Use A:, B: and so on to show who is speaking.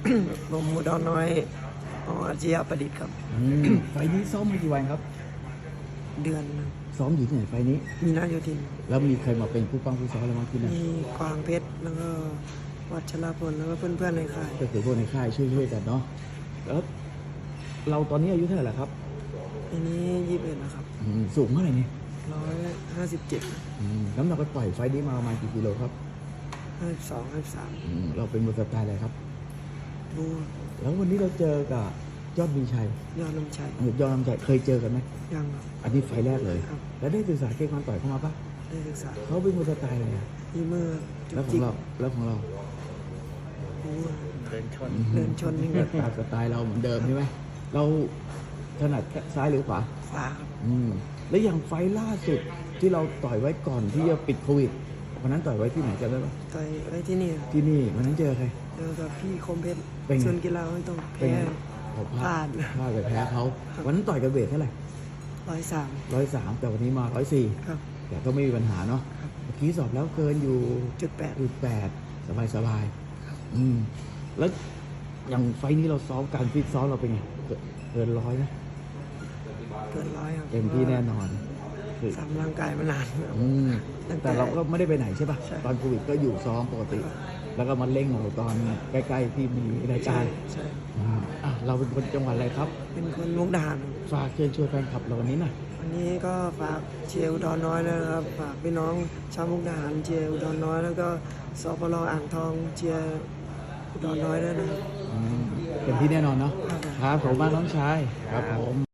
A: ผมอุดรน้อยอาชียประดิษฐ์ครับ
B: ไฟล์นี้ซ้อมมากี่วันครับ
A: เดือน
B: ซ้อมอยู่ที่ไหนไฟล์นี้
A: มีนาโยธิน
B: แล้วมีใครมาเป็นผู้ป้องผู้ซ้อมอะไรบ้างที่นั่น
A: มีกวางเพชรแล้วก็วัชรพลแล้วก็เพื่อนๆในค่าย
B: ก็คือพวกในค่ายช่วยกันเนาะแล้วเราตอนนี้อายุเท่าไหร่แล้วครับ
A: อันนี้21นะครับ
B: สูงเท่าไหร่นี่
A: 157
B: น้ำหนักก็ปล่อยไฟล์นี้มาประมาณกี่กิโลครับ
A: 52 53
B: เราเป็นมวยสไตล์อะไรครับ
A: บู
B: แล้ววันนี้เราเจอกับยอดมีชัย
A: ยอดน้ำชัย
B: ยอดน้ำชัยเคยเจอกันไหม
A: ยังครับ
B: อันนี้ไฟล์แรกเลย
A: ครับ
B: แล้วได้ศึกษาเกมการต่อยเข้ามาปะ
A: ได้ศึกษา
B: เขาเป็นมวยสไตล์อะไร
A: ที่มือ
B: แล้วของเรา
A: บูเดินชน
B: นี่ก็ตามสไตล์เราเหมือนเดิมใช่ไหมเราถนัดซ้ายหรือขวา
A: ขวาครับ
B: แล้วอย่างไฟล์ล่าสุดที่เราต่อยไว้ก่อนที่จะปิดโควิดวันนั้นต่อยไว้ที่ไหนกันได้ปะ
A: ต่อยไว้ที่นี่
B: วันนั้นเจอใคร
A: เจอกับพี่คมเพชรส่วนกีฬาไม่ต้องแพ้พลาด
B: ไปแพ้เขาวันนั้นต่อยกันเวทเท่าไหร่
A: 103
B: แต่วันนี้มา104
A: ครับ
B: แต่ก็ไม่มีปัญหาเนาะเมื่อกี้สอบแล้วเกินอยู่
A: 8.8
B: สบายแล้วอย่างไฟนี้เราซ้อมการฟิตซ้อมเราเป็นไงเกิน100ไหม
A: เกิน100ครับ
B: เต็มที่แน่นอน
A: ทำร่างกายมานาน
B: แต่เราก็ไม่ได้ไปไหนใช่ป่ะตอนโควิดก็อยู่ซ้อมปกติแล้วก็มาเล่งของตอนใกล้ๆที่มีรายการ
A: ใช่
B: เราเป็นคนจังหวัดอะไรครับ
A: เป็นคนมุกดาหาร
B: ฝากเชิญชวนแฟนคลับเราวันนี้หน่อย
A: วันนี้ก็ฝากเชียร์อุดรน้อยนะครับฝากพี่น้องชาวมุกดาหารเชียร์อุดรน้อยแล้วก็สปล.อ่างทองเชียร์อุดรน้อยด้วยนะครับ
B: เป็นที่แน่นอนเนาะครับผมมากน้องชายครับผม